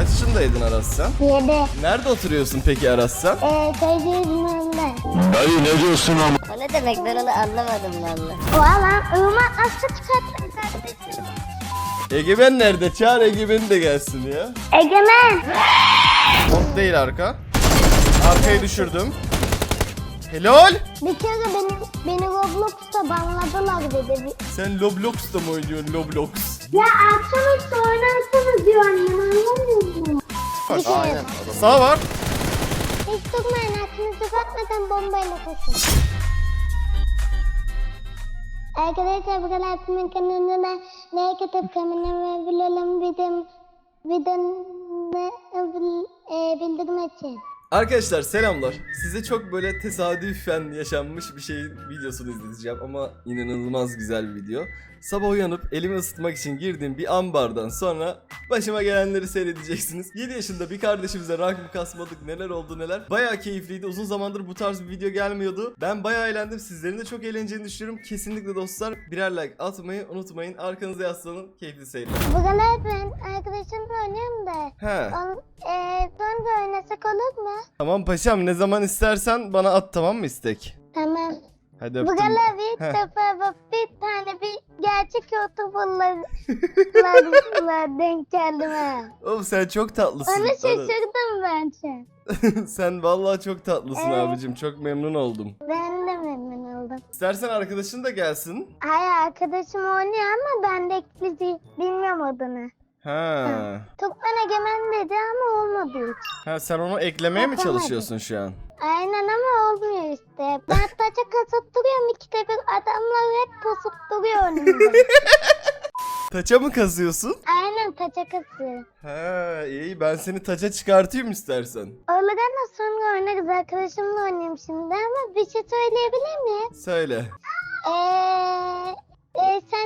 Kaç yaşındaydın Aras sen? 7. Nerede oturuyorsun peki Aras sen? Köyde İzmir'de. Dayı ne diyorsun ama? O ne demek, ben onu anlamadım valla. Oha lan ırmak nasıl çıkarttın kardeşim? Egemen nerede? Çağır Egemen'i de gelsin ya. Egemen. Bot değil arka. Arkayı düşürdüm. Helal. Bir kere beni Roblox'ta banladılar dedi. Sen Roblox'ta mı oynuyorsun Roblox? Ya akşamüstü oynarsanız diyor annem, anlamıyor musun? Bir kere. Aynen. Sağ var. Hiç durmayın, aklınızı katmadan bombayla koşun. Arkadaşlar bu kadar kimin kanalına like atıp kanalına bilelim bildirim açın. Arkadaşlar selamlar. Size çok böyle tesadüfen yaşanmış bir şeyin videosunu izleteceğim ama inanılmaz güzel bir video. Sabah uyanıp elimi ısıtmak için girdiğim bir ambardan sonra başıma gelenleri seyredeceksiniz. 7 yaşında bir kardeşimize rank kasmadık, neler oldu neler. Bayağı keyifliydi. Uzun zamandır bu tarz bir video gelmiyordu. Ben bayağı eğlendim. Sizlerin de çok eğleneceğini düşünüyorum. Kesinlikle dostlar birer like atmayı unutmayın. Arkanıza yaslanın. Keyifli seyirler. Bu kadar ben arkadaşımla oynuyorum da. He. Sonra oynasak olur mu? Tamam paşam, ne zaman istersen bana at, tamam mı istek? Tamam. Hadi Bu öptüm. kadar bir Heh. defa bak, bir tane bir gerçek YouTuber'lar denk geldim ha. Oğlum sen çok tatlısın. Onu şaşırdım ben şu an. Sen vallahi çok tatlısın Evet. abicim. Çok memnun oldum. Ben de memnun oldum. İstersen arkadaşın da gelsin. Hayır, arkadaşım oynuyor ama ben de eklizi bilmiyorum adını. Ha. Tukman Egemen dedi ama olmadı hiç. Ha, sen onu eklemeye mi Yapamadım. çalışıyorsun şu an? Aynen ama olmuyor işte. Ben taça kasıp duruyorum, ikide bir adamlar hep kasıp duruyor önümde. Taça mı kazıyorsun? Aynen, taça kasıyor. Ha, iyi, ben seni taça çıkartayım istersen. Öyle deme, sonra oynarız, arkadaşımla oynayayım şimdi ama bir şey söyleyebilir miyim? Söyle. Sen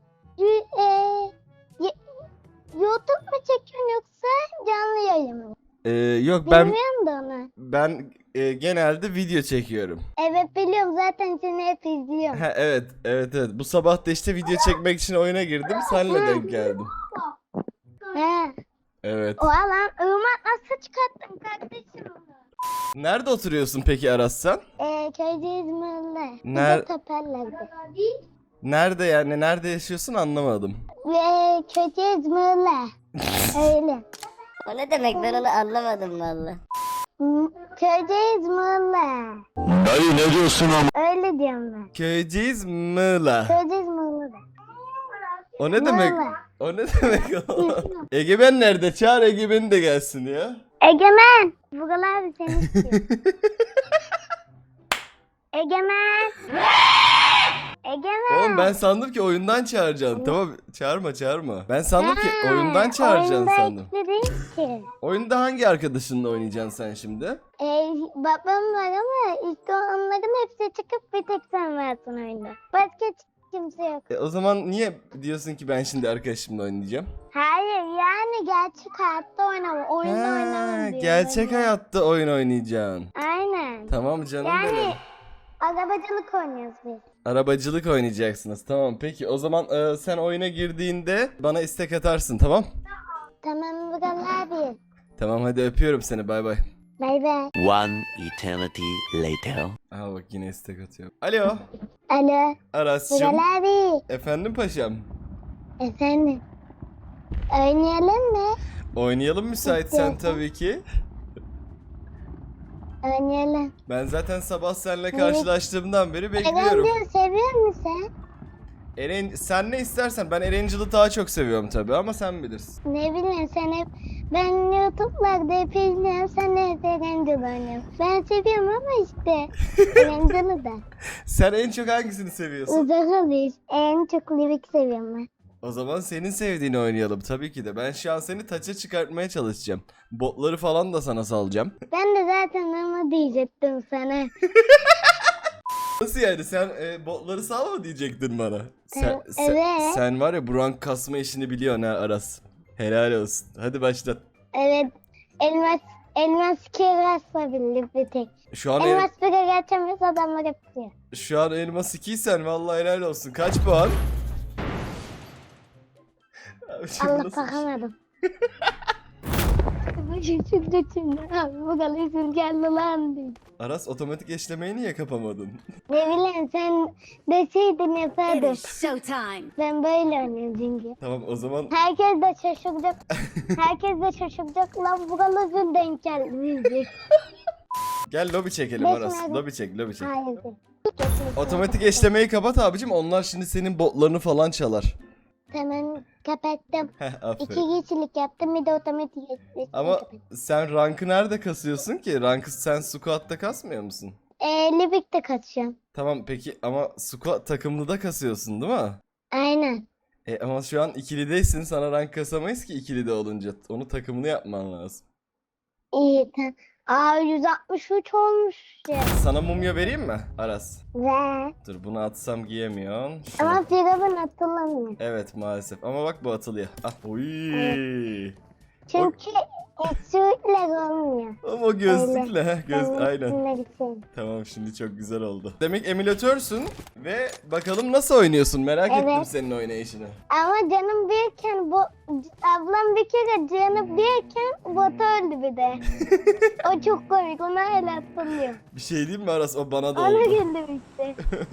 YouTube mu çekiyorsun yoksa canlı yayın mı? Yok ben Bilmiyorum da onu. genelde video çekiyorum. Evet biliyorum, zaten seni hep izliyorum. Ha, evet. Bu sabah da işte video çekmek için oyuna girdim. Seninle denk geldim. He. Evet. Oha lan ırmak nasıl çıkarttın kardeşim? Nerede oturuyorsun peki Aras sen? Köyde İzmir'de. Teperlerde. Nerede yani? Nerede yaşıyorsun anlamadım. Köyde İzmir'de. Öyle. O ne demek, ben onu anlamadım valla. Köyde İzmir'de. Dayı ne diyorsun ama? Öyle diyorum ben. Köyceğiz Mığla. Köyde İzmir'de. O ne demek? Mığla. O ne demek o? Egemen nerede? Çağır Egemen'i de gelsin ya. Egemen. Buralar abi seni istiyor. Egemen. Egemen. Oğlum ben sandım ki oyundan çağıracaksın. Tamam, çağırma. Ben sandım ki oyundan çağıracaksın oyunda sandım. ekli değil ki. Oyunda hangi arkadaşınla oynayacaksın sen şimdi? Babam var ama işte onların hepsi çıkıp bir tek sen varsın oyunda. Başka kimse yok. O zaman niye diyorsun ki ben şimdi arkadaşımla oynayacağım? Hayır yani gerçek hayatta oynama. Oyunda oynamam diyor. Gerçek hayatta oyun oynayacaksın. Aynen. Tamam canım Yani benim. arabacılık oynuyoruz biz. Arabacılık oynayacaksınız. Tamam peki o zaman sen oyuna girdiğinde bana istek atarsın, tamam? Tamam Bugal abi. Tamam hadi öpüyorum seni, bay bay. Bay bay. One eternity later. Aha bak yine istek atıyor. Alo. Alo. Aras'cığım. Bugal abi. Efendim paşam. Efendim. Oynayalım mı? Oynayalım müsaitsen İstiyorsan. tabii ki. Oynayalım. Ben zaten sabah seninle karşılaştığımdan beri bekliyorum. Erencil seviyor musun sen? Sen ne istersen, ben Erencil'i daha çok seviyorum tabii ama sen bilirsin. Ne bileyim, sen hep ben YouTube'larda hep izliyorum, sen de hep Erencil oynuyorsun. Ben seviyorum ama işte Erencil'i de. Sen en çok hangisini seviyorsun? Uzak alıyoruz. En çok Livik seviyorum ben. O zaman senin sevdiğini oynayalım tabii ki de. Ben şu an seni taça çıkartmaya çalışacağım. Botları falan da sana salacağım. Ben de zaten onu diyecektim sana. Nasıl yani, sen botları salma diyecektin bana. Evet. Sen var ya, bu rank kasma işini biliyorsun ha Aras. Helal olsun. Hadi başlat. Evet. Elmas kirasla bildik bir tek. Şu an Elmas bire geçemiyoruz, adamlar yapıyor. şu an elmas 2'ysen vallahi helal olsun. Kaç puan? Abi şimdi Allah nasıl- bakamadım. çıktı şimdi. Abi bu kalesini geldi lan diye. Aras otomatik eşlemeyi niye kapamadın? Ne bileyim sen deseydin It yapardım. is showtime. Ben böyle oynuyorum çünkü. Tamam o zaman Herkes de şaşıracak. Herkes de şaşıracak. Lan bu kalesini denk geldi diyecek. gel lobi çekelim Beş Aras. nerede? Lobi çek lobi çek. Hayır. Otomatik eşlemeyi kapat abicim. Onlar şimdi senin botlarını falan çalar. Hemen kapattım. Heh aferin. 2 kişilik yaptım bir de otomatik eşleştirdim. Ama sen rankı nerede kasıyorsun ki? Rankı sen squat'ta kasmıyor musun? Libik'te kaçacağım. Tamam peki ama squat takımlıda kasıyorsun değil mi? Aynen. Ama şu an ikilideysin. Sana rank kasamayız ki ikilide olunca. Onu takımını yapman lazım. İyi tamam. Aa 163 olmuş ya. Sana mumya vereyim mi Aras? Ve Dur bunu atsam giyemiyorsun. Şunu- ama Firavun atılamıyor. Evet maalesef ama bak bu atılıyor. Ah, oy. Çünkü sürekli olmuyor. Ama gözlükle ha göz Ben aynen. üstüne gideceğim. Tamam şimdi çok güzel oldu. Demek emülatörsün ve bakalım nasıl oynuyorsun merak Evet. ettim senin oynayışını. Ama canım birken bu ablam bir kere canım birken bot öldü bir de. O çok komik. Ona hala hatırlıyor. Bir şey diyeyim mi Aras o bana da Ona oldu. güldüm işte.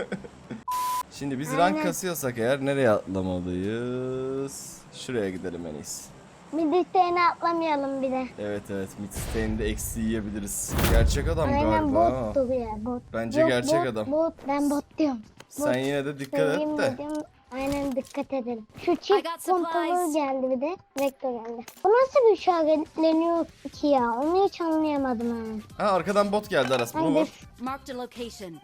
Şimdi biz Aynen. rank kasıyorsak eğer nereye atlamalıyız? Şuraya gidelim en iyisi. Bir dişlerini atlamayalım bir de. Evet Midstay'inde eksi yiyebiliriz. Gerçek adam Aynen galiba. ha. bottu bu ya bot. Bence Yok, gerçek bot, adam. Bot. Ben bot diyorum. Sen yine de dikkat et Söyleyeyim de. dedim. Aynen dikkat edelim. Şu I çift got kontrolü supplies. geldi bir de. Vektör geldi. Bu nasıl bir işaretleniyor ki ya? Onu hiç anlayamadım ha. Ha arkadan bot geldi Aras bunu Hangi vur. Marked a location.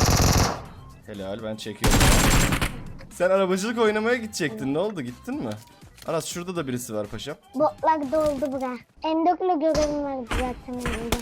Helal ben çekiyorum. Sen arabacılık oynamaya gidecektin ne oldu gittin mi? Aras şurada da birisi var paşam. botlar doldu bura. M4'le görevim vardı zaten önümde.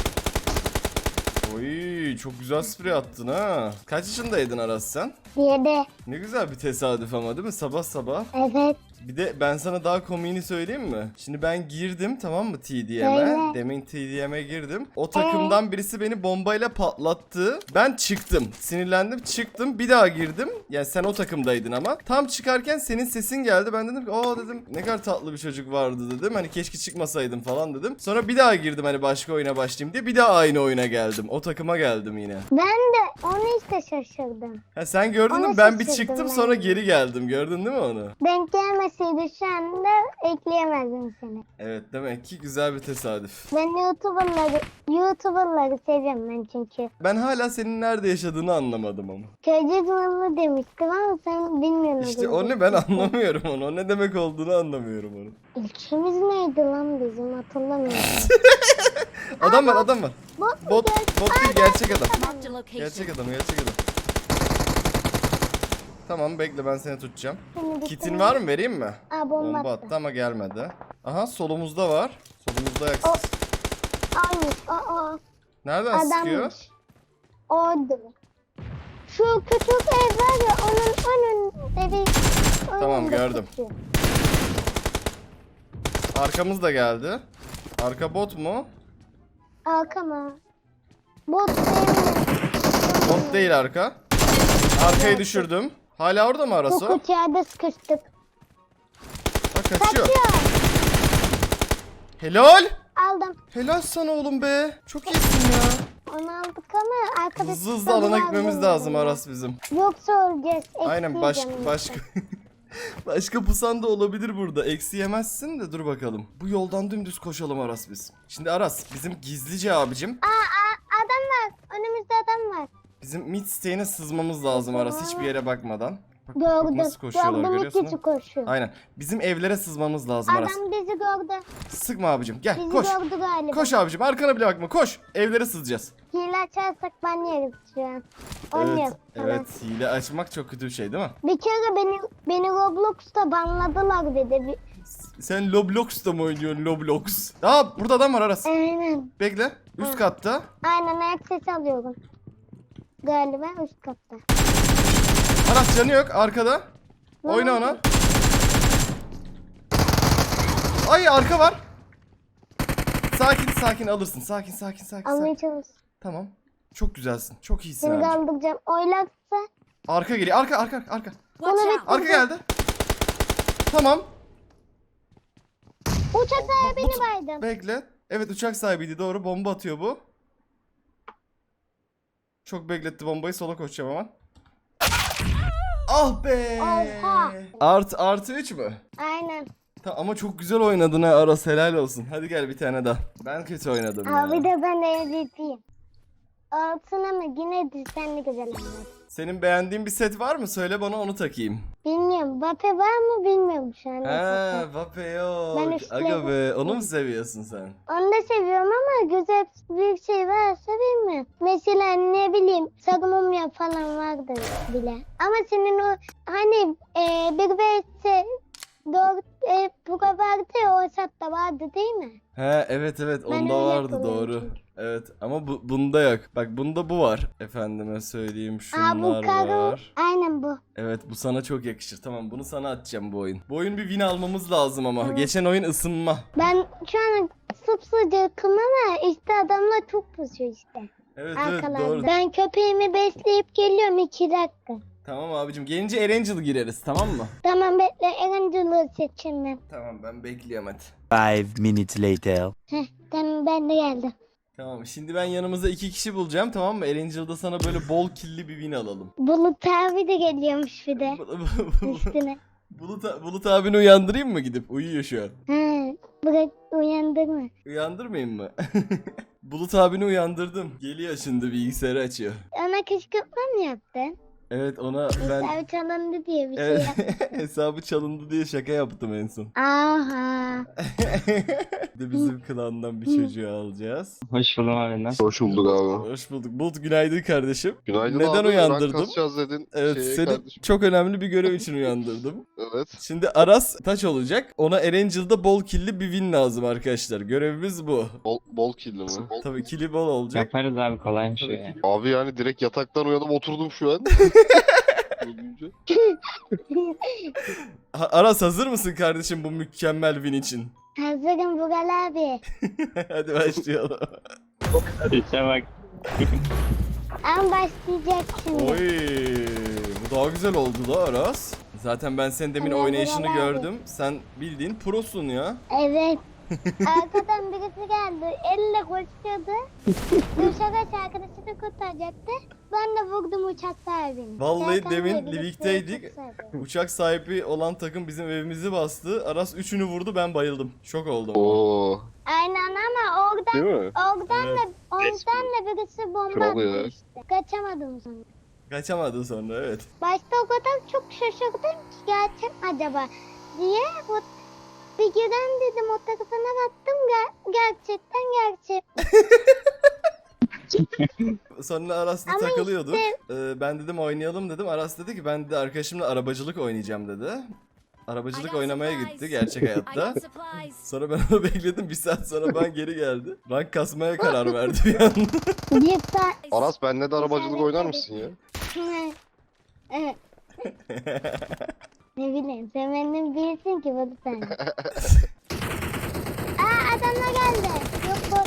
Oy çok güzel sprey attın ha. Kaç yaşındaydın Aras sen? Diye de Ne güzel bir tesadüf ama değil mi sabah sabah. evet. Bir de ben sana daha komiğini söyleyeyim mi? Şimdi ben girdim tamam mı TDM'e? Söyle. Demin TDM'e girdim. O takımdan birisi beni bombayla patlattı. Ben çıktım. Sinirlendim çıktım. Bir daha girdim. Yani sen o takımdaydın ama. Tam çıkarken senin sesin geldi. Ben dedim ki aa dedim ne kadar tatlı bir çocuk vardı dedim. Hani keşke çıkmasaydım falan dedim. Sonra bir daha girdim hani başka oyuna başlayayım diye. Bir daha aynı oyuna geldim. O takıma geldim yine. Ben de onu işte şaşırdım. Ha sen gördün mü? Onu Ben bir şaşırdım çıktım ben. sonra geri geldim. Gördün değil mi onu? Denk gelmeseydi şu anda ekleyemezdim seni. Evet demek ki güzel bir tesadüf. Ben YouTuber'ları seviyorum ben çünkü. Ben hala senin nerede yaşadığını anlamadım ama. Köyceğiz malı demiştim ama sen bilmiyorsun. İşte o ne ben anlamıyorum onu. O ne demek olduğunu anlamıyorum onu. İlçemiz neydi lan bizim hatırlamıyorum. Adam var adam var. Bot mu Bot, geldi? bot değil gerçek adam. Marked a location. Gerçek adam gerçek adam. Tamam bekle ben seni tutacağım. Seni Kitin var mı vereyim mi? Aa Bomba bomba attı attı. ama gelmedi. Aha solumuzda var. Solumuzda ayaksız. Almış. Aa. Nereden sıkıyor? Adammış. Orada. Şu küçük ev var ya onun önünde bir... Tamam, önünde gördüm. tutuyor. Arkamız da geldi. Arka bot mu? Arkama. Bot değil. Bot değil arka. Arkayı düşürdüm. Hala orada mı Aras Bu o? kutuya sıkıştık. Bak kaçıyor. Kaçıyor. Helal. Aldım. Helal sana oğlum be. Çok iyisin ya. Onu aldık ama arkadaşlar... Hızlı hızlı alana gitmemiz lazım Aras bizim. Yoksa öleceğiz. Aynen Ekleyeceğim başka başka pusan da olabilir burada. Eksi yemezsin de dur bakalım. Bu yoldan dümdüz koşalım Aras biz. Şimdi Aras bizim gizlice abicim. Adam var. Önümüzde adam var. Bizim mid stage'ine sızmamız lazım Aras hiçbir yere bakmadan. Bak, bak Gördüm. nasıl koşuyorlar Gördüm görüyorsun iki mu? koşuyor. Aynen. Bizim evlere sızmamız lazım Aras. Adam bizi gördü. Sıkma abicim gel Bizi koş. gördü galiba. Koş abicim arkana bile bakma koş. Evlere sızacağız. Hile açarsak ben yeriz şu an. Onu Evet, yap. Tamam. evet hile açmak çok kötü bir şey değil mi? Bir kere beni Roblox'ta banladılar dedi. Sen Loblox'ta mı oynuyorsun Loblox? Aa burada adam var Aras. Aynen. Bekle. Üst katta. Aynen ayak sesi alıyorum. Galiba üst katta. Aras canı yok arkada. Ne Oyna oldu? ona. Ay arka var. Sakin sakin alırsın. Sakin. Almaya çalış. Tamam. Çok güzelsin. Çok iyisin Seni abi. kaldıracağım. Oylarsa Arka geliyor. Arka. Watch Bunu out. Arka geldi. Tamam. uçak beni baydım. Bekle. Evet uçak sahibiydi doğru. Bomba atıyor bu. Çok bekletti bombayı. Sola koşacağım hemen. Ah be. Oha. Artı 3 mü? Aynen. Ama çok güzel oynadın ha Aras, helal olsun. Hadi gel bir tane daha. Ben kötü oynadım ya. Abi de ben MVP'yim. Altın ama yine de sen de güzel oynadın. Senin beğendiğin bir set var mı? Söyle bana onu takayım. Bilmiyorum. Bape var mı bilmiyorum şu an. Ha, Vape yok. Ben üstledim. Aga be, onu mu seviyorsun sen? Onu da seviyorum ama güzel bir şey varsa bilmiyorum. Mesela ne bileyim Sagumumya falan vardır bile. Ama senin o hani bir vs 4 Buga vardı ya o satta vardı değil mi? He evet Ben onda öyle vardı yapıyorum doğru. çünkü. Evet ama bunda yok. Bak bunda bu var. Efendime söyleyeyim şunlar bu karı. var. Aynen bu. Evet bu sana çok yakışır. Tamam bunu sana atacağım bu oyun. Bu oyun bir win almamız lazım ama. Evet. Geçen oyun ısınma. Ben şu an sıcakım ama işte adamlar çok pusuyor işte. Evet Arkalarda. doğru. Ben köpeğimi besleyip geliyorum 2 dakika. Tamam abicim gelince Erangel gireriz tamam mı? Tamam bekle Erangel'ı seçeyim ben. Tamam ben bekliyorum hadi. 5 minutes later. Tamam ben de geldim. Tamam şimdi ben yanımıza 2 kişi bulacağım tamam mı? Erangel'da sana böyle bol killi bir win alalım. Bulut abi de geliyormuş bir de üstüne. Bulut abini uyandırayım mı gidip? Uyuyor şu an. Bırak uyandırma. Uyandırmayayım mı? Bulut abini uyandırdım. Geliyor şimdi bilgisayarı açıyor. Ona kışkırtma mı yaptın? Evet ona ben Hesabı çalındı diye bir şey evet, yaptın. hesabı çalındı diye şaka yaptım en son. Aha. Bir de bizim klandan bir çocuğu alacağız. Hoş buldum abi. Nasıl? Hoş bulduk abi. Hoş bulduk. Bulut günaydın kardeşim. Günaydın Neden abi. uyandırdım? Rank kasacağız dedin. Evet seni kardeşim. çok önemli bir görev için uyandırdım. Evet. Şimdi Aras taç olacak. Ona Erangel'da bol killi bir win lazım arkadaşlar. Görevimiz bu. Bol killi mi? Tabii killi bol olacak. Yaparız abi kolaymış o ya. Abi yani direkt yataktan uyanıp oturdum şu an. Duyunca. Aras hazır mısın kardeşim bu mükemmel win için? Hazırım Bugal abi. Hadi başlayalım. İşte bak. Ama başlayacak şimdi. Oy, bu daha güzel oldu da Aras. Zaten ben senin demin Tamam, oynayışını Burak abi. gördüm. Sen bildiğin prosun ya. Evet. Arkadan birisi geldi. Elle koşuyordu. Duşa arkadaşını kurtaracaktı. Ben de vurdum uçak sahibini. Vallahi Serkan demin diye birisi birlikteydik. uçak sahibi. Uçak sahibi olan takım bizim evimizi bastı. Aras üçünü vurdu ben bayıldım. Şok oldum. Oo. Aynen ama oradan Değil mi? da birisi bomba Kral ya. attı işte. Kaçamadım sonra. Kaçamadı sonra evet. Başta o kadar çok şaşırdım ki gerçek acaba diye bir giren dedim o tarafına baktım gerçekten gerçek. Sonra Aras'la Ama takılıyorduk. işte- Ben dedim oynayalım dedim. Aras dedi ki ben de arkadaşımla arabacılık oynayacağım dedi. I Arabacılık got oynamaya supplies. gitti gerçek I hayatta. got supplies. Sonra ben onu bekledim. Bir saat sonra ben geri geldi. Rank kasmaya karar verdi bir anda. Bir saat. Aras benle de arabacılık oynar mısın ya? Evet. Ne bileyim sen benden bilirsin ki bunu sen. Adamlar geldi. Yok bot.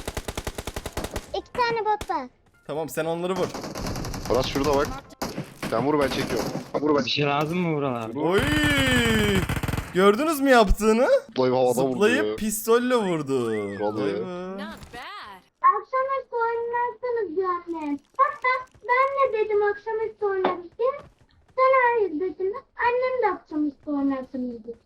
2 tane bot var. Tamam sen onları vur. Aras şurada bak. Sen vur ben çekiyorum. Bir şey lazım mı Vural abi? Oy! Gördünüz mü yaptığını? Zıplayıp havada vurdu ya. Zıplayıp pistolle vurdu. Vallahi. Vay be. Not bad. Akşamüstü oynarsanız diyor annem. Hatta ben de dedim akşamüstü oynarız diye. Sen hayır dedin. Annem de akşamüstü oynarsınız diyor.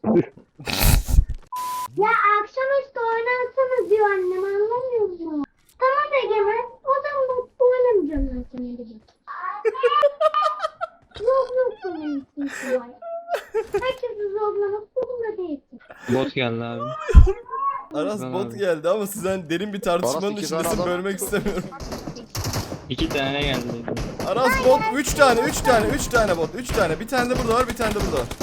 Ya akşamüstü oynarsanız diyor annem anlamıyor musun? Tamam Egemen. O zaman oynamayacağım ben seni dedi. Yok oynamışsın var. Herkesi zorlamak zorunda değilsin. Bot geldi abi. Aras Güzel bot abi. geldi ama sizden derin bir tartışmanın Aras iki tane içindesin adam- bölmek istemiyorum. 2 tane geldi. Aras bot 3 tane 3 tane bot 3 tane. Bir tane de burada var bir tane de burada var.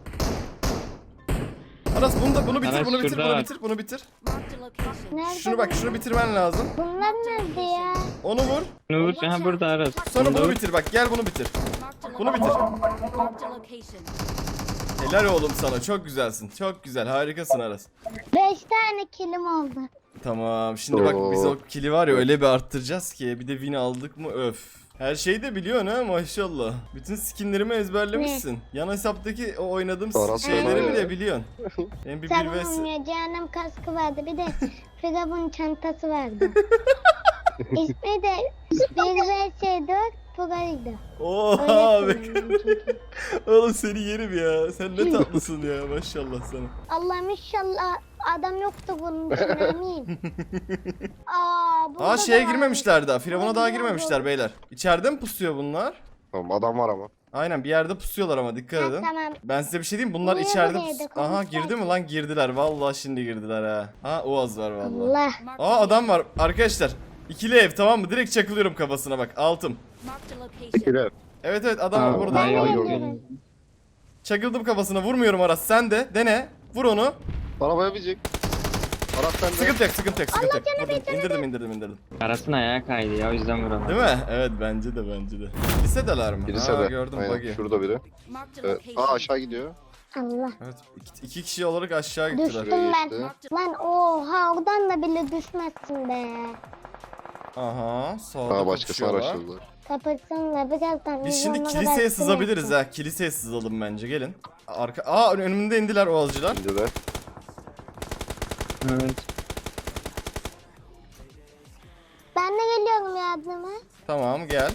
Aras bunu bitir Aras bunu bitir şurada bunu var. bitir bunu bitir. Marked a location. Nerede Şunu bak şunu bitirmen lazım. Bunlar nerede ya? Onu vur. Bunu vur. Ha burada Aras. Sonra Bunu bunu vur. bitir bak gel bunu bitir. Marked a Bunu bitir. Marked a location. Helal oğlum sana çok güzelsin. Çok güzel harikasın Aras. 5 tane kilim oldu. Tamam şimdi bak biz o Oo. kili var ya öyle bir arttıracağız ki bir de win aldık mı öf. Her şeyi de biliyorsun ha maşallah. Bütün skinlerimi ezberlemişsin. Yan hesaptaki o oynadığım Aras şeyleri fena bile ya. biliyorsun. Benim bir Sagımım ya cehennem kaskı vardı. Bir de Firavun çantası vardı. İsmi de 1vs4 Pro'ydu. Oha Öyle abi. kullanıyorum çünkü. Oğlum seni yerim ya. Sen ne tatlısın ya maşallah sana. Allah'ım inşallah adam yoktu bunun için amin. Burada Aa şeye da var. girmemişler daha. Firavuna Burada daha da girmemişler var. beyler. İçeride mi pusuyor bunlar? Tamam adam var ama. Aynen bir yerde pusuyorlar ama dikkat Ha, edin. tamam. Ben size bir şey diyeyim bunlar Niye içeride buraya da Aha konuşsak? girdi mi lan girdiler. Vallahi şimdi girdiler ha. Ha Oğaz var vallahi. Allah. Aa adam var arkadaşlar. İkili ev tamam mı? Direkt çakılıyorum kafasına bak. Altım. Marked a location. Tekiler. Evet evet adam var burada. Ben de bayağı geliyorum. Çakıldım kafasına vurmuyorum Aras. Sen de dene. Vur onu. Arabaya binecek. Aras sende. Sıkıntı yok sıkıntı yok sıkıntı yok. Vurdum. İndirdim. Aras'ın ayağı kaydı ya o yüzden vuramadım. Değil mi? Evet bence de. Lisedeler mi? Birisi Aa, de. gördüm Aynen, buggy. şurada biri. Marked a Evet. location. Aa aşağı gidiyor. Allah. Evet iki kişi olarak aşağı gittiler. Düştüm Şuraya ben. geçti. Lan oha oradan da bile düşmezsin be. Aha sağda Aa başkası kapışıyorlar. araştırdılar. Kapatsanlar birazdan. Biz şimdi vizyona kiliseye kadar sızabiliriz sürersin. ha. Kiliseye sızalım bence gelin. Önümde indiler Oğazcılar. Şimdi de. Evet. Ben de geliyorum yardıma. Tamam gel.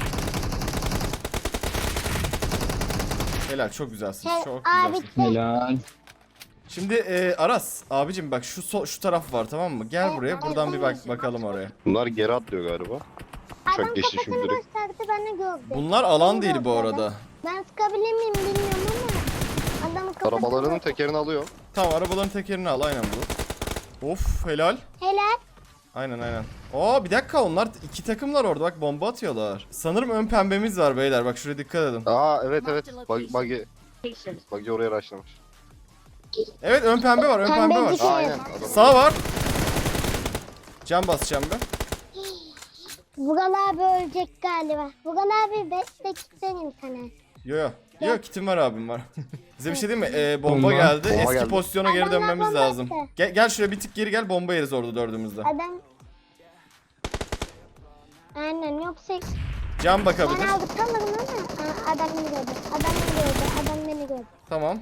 Helal çok güzelsin. Şey, Çok abi güzelsin. Helal. Şimdi Aras abicim bak şu taraf var tamam mı? Gel buraya buradan bir bakalım oraya. Bunlar geri atlıyor galiba. adam Çok geçti kafasını şimdi direkt. gösterdi ben de gördüm. Bunlar alan Beni değil bu gördü arada. adam. Ben sıkabilir miyim bilmiyorum ama adamın kafasını Arabalarının gösterdi. tekerini alıyor. Tamam arabaların tekerini al aynen bu. Of helal. Helal. Aynen. Bir dakika onlar iki takımlar orada bak bomba atıyorlar. Sanırım ön pembemiz var beyler bak şuraya dikkat edin. Aa evet. Buggy oraya rushlamış. Evet ön pembe var Pembe var. düşüyor. Aynen. Adam Sağ var. Can basacağım ben. Vural abi ölecek galiba. Vural abi bekle kitlenim sana. Yo kitim var abim var. Bize bir şey diyeyim mi? Bomba Bomba. geldi. Bomba Eski geldi. pozisyona geri Adamlar dönmemiz bomba lazım. attı. Gel şuraya bir tık geri gel bomba yeriz orada dördümüzde. Adam... Aynen yoksa Can bakabilir. ben aldıkamadım ama adam beni gördü. Adam beni gördü. Tamam.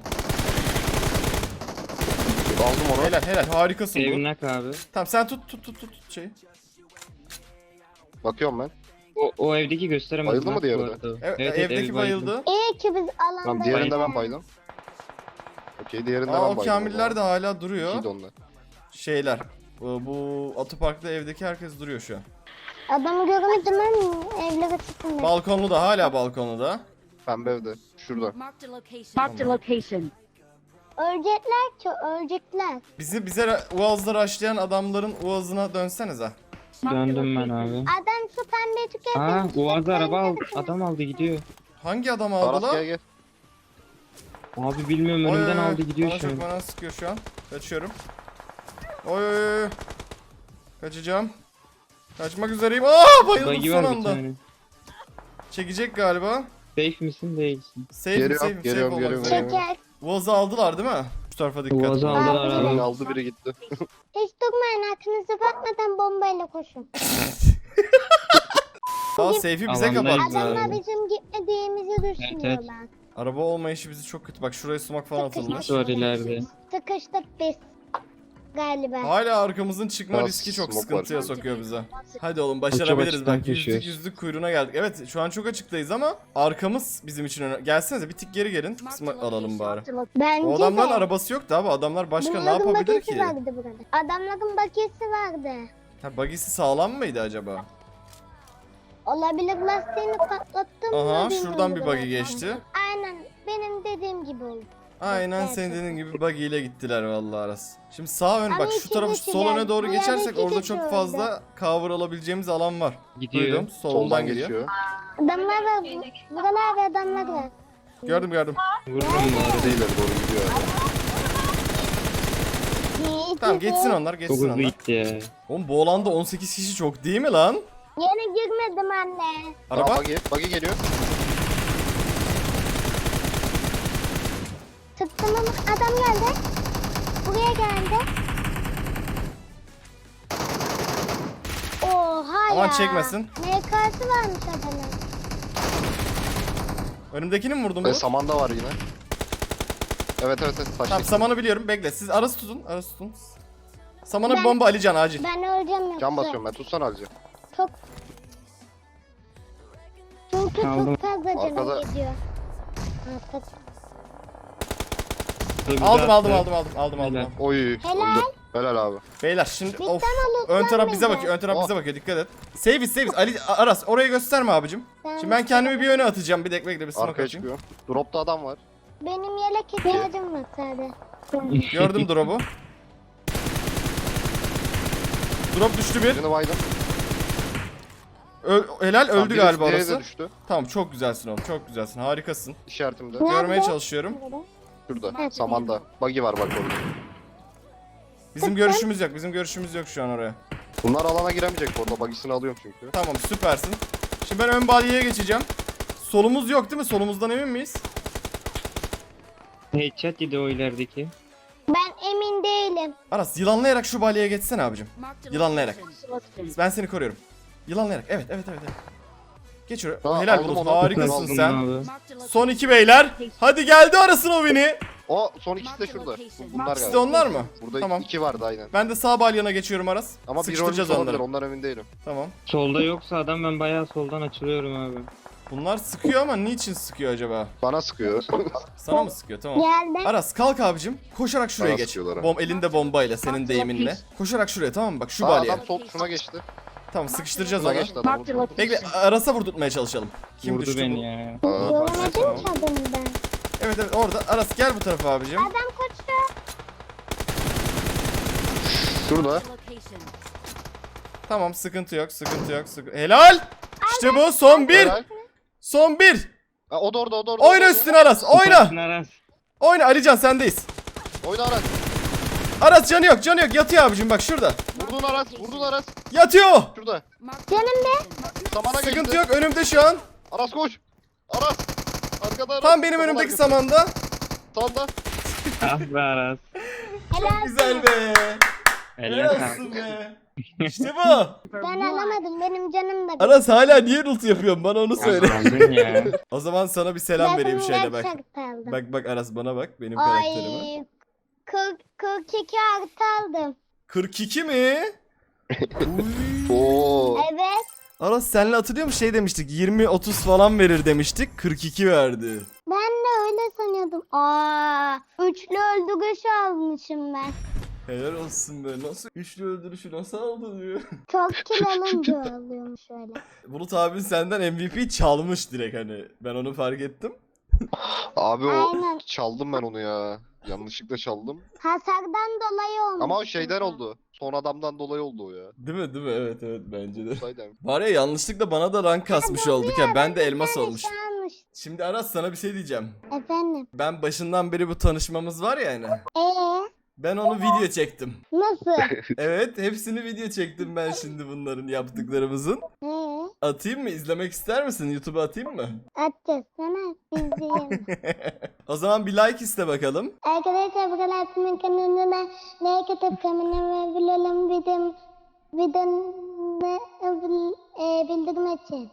aldım onu. Helal harikasın bu. Evnak abi. Tamam sen tut şey. Bakıyorum ben. O evdeki gösteremez. Bayıldı mı bak diğeri bu de? arada. Evet, evdeki ev bayıldı. İyi ki biz Tamam alandayız. diğerinde ben baydım. Okey diğerinde ben Aa o baydım. kamiller de hala duruyor. İkiydi onlar. Şeyler. Bu otoparkta evdeki herkes duruyor şu an. Adamı görmedim ben evlere çıktım ben. Balkonlu da hala balkonlu da. Pembe evde. Şurada. Marked a location. Marked a location. Ölecekler ki ölecekler. Bize Uaz'da rushlayan adamların Uaz'ına dönsenize. Döndüm ben abi. Adam şu pembeyi tüketmiş. Aa Uaz'da araba aldı. Adam aldı gidiyor. Hangi adam aldı Aras lan? gel gel. Abi bilmiyorum Oy, önümden oy, oy. aldı gidiyor Bana şu an. çok bana sıkıyor şu an. Kaçıyorum. Oy. Kaçacağım. Kaçmak üzereyim. Bayıldım Buggy son var bir anda. tane. Çekecek galiba. Safe misin değilsin. Safe Geliyorum. olmak üzere. Çeker. Uaz'ı aldılar değil mi? Şu tarafa dikkat. Uaz'ı aldılar Abi. abi. Aldı biri gitti. Hiç durmayın aklınızı bakmadan bombayla koşun. Safe'i bize Alandayız kapattılar. abi. Adamlar bizim gitmediğimizi düşünüyorlar. Araba olmayışı bizi çok kötü. Bak şuraya sumak falan atılmış. Nasıl var ileride? Sıkıştık biz. Galiba. Hala arkamızın çıkma Biraz riski çok smoke sıkıntıya var. sokuyor bize. Hadi oğlum başarabiliriz açıktan bak. koşuyoruz. Yüzlük kuyruğuna geldik. Evet şu an çok açıktayız ama arkamız bizim için önemli. Gelsenize bir tık geri gelin. Kısmı alalım bari. Bence O adamların de. arabası yoktu abi. Adamlar başka ne Bunların yapabilir bakiyesi ki? vardı burada. Adamların bakiyesi vardı. Ha bagisi sağlam mıydı acaba? Olabilir lastiğini patlattım Aha mı şuradan bir bilmiyorum buggy zaten. geçti. Aynen benim dediğim gibi oldu. Aynen Evet, senin evet. dediğin gibi buggy ile gittiler vallahi Aras. Şimdi sağ ön Ama bak şu iki tarafı kişi sol öne geldi. doğru Bu geçersek yerde orada iki çok kişi fazla cover alabileceğimiz alan var. Gidiyor. Duydum soldan Soldan geliyor. geçiyor. Adamlar var. Buralar ve adamlar var. Gördüm. Vururum bari. Değiller doğru gidiyor. Tamam geçsin onlar Çok geçsin hızlı onlar. gitti ya. Oğlum bu alanda 18 kişi çok değil mi lan? Yine girmedim anne. Araba. Buggy geliyor. Sıktım ama adam geldi. Buraya geldi. Oha Aman ya. çekmesin. MK'sı varmış adamın. Önümdekini mi vurdun Ve bu? samanda var yine. Evet. Tamam Taşlı. samanı biliyorum. Bekle. Siz arası tutun. Arası tutun. Samana bir Ben- bomba Alican acil. Ben öleceğim yoksa. Can basıyorum ben. Tutsana Alice. Çok... Çünkü Aldım. çok fazla canım Arkada- gidiyor. Arkada. Dur, bir Aldım daha aldım attı. aldım. Helal. Oy. Helal. Öldü. Helal abi. Beyler şimdi Bitten of. olur, Ön taraf sen bize de. bakıyor. Ön taraf Oh. bize bakıyor. Dikkat et. Save it. Ali Aras orayı gösterme abicim. Şimdi ben kendimi bir öne atacağım. Bir bekle bir smoke Arkaya atayım. çıkıyor. Dropta adam var. Benim yelek ihtiyacım var sadece. Gördüm drop'u. Drop düştü bir. Birini baydım. Helal Tamam, öldü biri- galiba diğeri orası. de düştü. Tamam çok güzelsin oğlum. Çok güzelsin. Harikasın. İşaretimde. Görmeye Nerede? çalışıyorum. Şurada. Samanda. Buggy var bak orada. Bizim görüşümüz yok. Bizim görüşümüz yok şu an oraya. Bunlar alana giremeyecek bu arada. Buggy'sini alıyorum çünkü. Tamam süpersin. Şimdi ben ön body'ye geçeceğim. Solumuz yok değil mi? Solumuzdan emin miyiz? Headshot yedi o ilerideki. Ben emin değilim. Aras yılanlayarak şu body'ye geçsene abicim. Marked a Yılanlayarak. location. Ben seni koruyorum. Yılanlayarak. Evet. Geç oraya. Tamam, Helal aldım Bulut. onu. Harikasın Aldım sen. Abi. Marked a location. Son 2 beyler. Hadi geldi arasın o beni. O son ikisi de şurada. Bunlar İkisi de galiba. onlar mı? Burada Tamam. 2 vardı aynen. Ben de sağ balyana geçiyorum Aras. Ama bir Sıkıştıracağız rolü olabilir. onları. Ondan emin değilim. Tamam. Solda yoksa adam ben bayağı soldan açılıyorum abi. Bunlar sıkıyor ama niçin sıkıyor acaba? Bana sıkıyor. Sana mı sıkıyor? Tamam. Geldi. Aras kalk abicim. Koşarak şuraya Bana geç. sıkıyorlar ha. Elinde bombayla senin deyiminle. Koşarak şuraya tamam mı? Bak şu Aa, balyaya. adam sol şuna geçti. Tamam sıkıştıracağız Şuna onu. geçti adam. vurdu. Bekle Aras'a vurdurtmaya çalışalım. Kim Vurdu düştü beni bu? ya. Göremedim ki adamı ben. Evet orada. Aras gel bu tarafa abicim. Adam koşuyor. Şurada. Location. Tamam sıkıntı yok. Helal. İşte bu son bir. Helal. Son bir. Ha, o da orada. Oyna üstüne Aras. Oyna. Süpersin Aras. Oyna Alican sendeyiz. Oyna Aras. Aras canı yok. Yatıyor abicim bak şurada. Vurdun Aras. Yatıyor. Şurada. Canım be. Samana geçti. Sıkıntı yok önümde şu an. Aras koş. Aras. Arkada Aras. Tam benim Saman önümdeki arkası. samanda. Sağda. Ah be Aras. Helal. Güzel be. Helal Helal olsun. olsun be. İşte bu. Ben alamadım. Benim canım da. Aras hala niye ult yapıyorsun bana onu söyle. Aldın ya. O zaman sana bir selam vereyim Ben şöyle bak. gerçek aldım. Bak Aras bana bak benim karakterime. Ay. 42 artı aldım. 42 mi? Oo. Evet. Aras senle hatırlıyor musun şey demiştik 20-30 falan verir demiştik 42 verdi. Ben de öyle sanıyordum. Üçlü öldürüş almışım ben. Helal olsun be nasıl üçlü öldürüşü nasıl aldın diyor. Çok kill alınca alıyormuş öyle. Bulut abin senden MVP çalmış direkt hani ben onu fark ettim. Abi o Aynen. çaldım ben onu ya. Yanlışlıkla çaldım. Hasardan dolayı olmuş. Ama o şeyden oldu. Son adamdan dolayı oldu o ya. Değil mi evet bence de. Saydım. Var ya yanlışlıkla bana da rank kasmış olduk ya ben de elmas olmuş. Almış. Şimdi Aras sana bir şey diyeceğim. Efendim. Ben başından beri bu tanışmamız var ya hani. Ben onu video çektim. Nasıl? Evet hepsini video çektim ben şimdi bunların yaptıklarımızın. Atayım mı? İzlemek ister misin? YouTube'a atayım mı? Atacağız sana. İzleyelim. O zaman bir like iste bakalım. Arkadaşlar bu kadar atmanın kanalına like atıp kanalıma bilelim bildirim açın.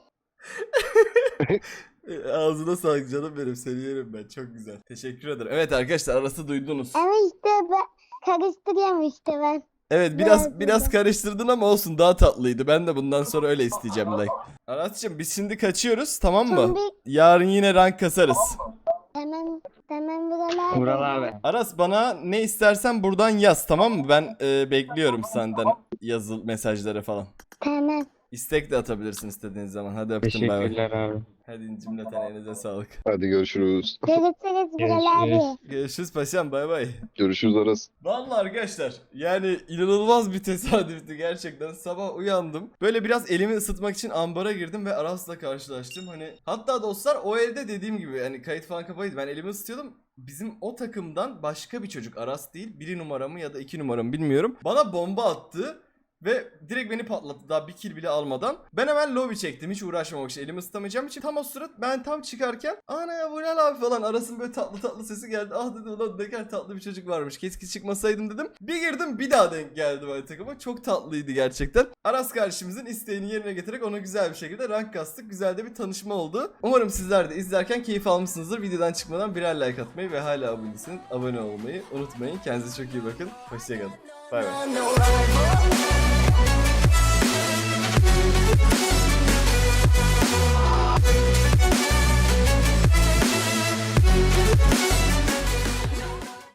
Ağzına sağlık canım benim. Seni yerim ben. Çok güzel. Teşekkür ederim. Evet arkadaşlar arası duydunuz. Ama işte ben karıştırıyorum işte ben. Evet biraz karıştırdın ama olsun daha tatlıydı. Ben de bundan sonra öyle isteyeceğim like. Aras'cığım biz şimdi kaçıyoruz tamam mı? Şimdi Yarın yine rank kasarız. tamam buralar. Vural abi. Aras bana ne istersen buradan yaz tamam mı? Ben bekliyorum senden yazılı mesajları falan. Tamam. İstek de atabilirsin istediğiniz zaman. Hadi öptüm bay bay. Teşekkürler abi. Hadi cümleten elinize sağlık. Hadi görüşürüz. Görüşürüz buralar Görüşürüz. abi. Görüşürüz paşam bay bay. Görüşürüz Aras. Vallahi arkadaşlar yani inanılmaz bir tesadüftü gerçekten. Sabah uyandım. Böyle biraz elimi ısıtmak için ambara girdim ve Aras'la karşılaştım. Hani hatta dostlar o evde dediğim gibi hani kayıt falan kapalıydı. Ben elimi ısıtıyordum. Bizim o takımdan başka bir çocuk Aras değil 1 numaramı ya da 2 numaramı bilmiyorum. Bana bomba attı. Ve direkt beni patlattı daha bir kill bile almadan. Ben hemen lobby çektim hiç uğraşmamak için. Elimi ısıtamayacağım için. Tam o sırada ben tam çıkarken ana ya bu ne abi falan arasın böyle tatlı tatlı sesi geldi. Ah dedim ulan ne kadar tatlı bir çocuk varmış. Keşke çıkmasaydım dedim. Bir girdim bir daha denk geldi böyle takıma. Çok tatlıydı gerçekten. Aras kardeşimizin isteğini yerine getirerek ona güzel bir şekilde rank kastık. Güzel de bir tanışma oldu. Umarım sizler de izlerken keyif almışsınızdır. Videodan çıkmadan birer like atmayı ve hala abone değilseniz abone olmayı unutmayın. Kendinize çok iyi bakın. Hoşçakalın. Bay bay.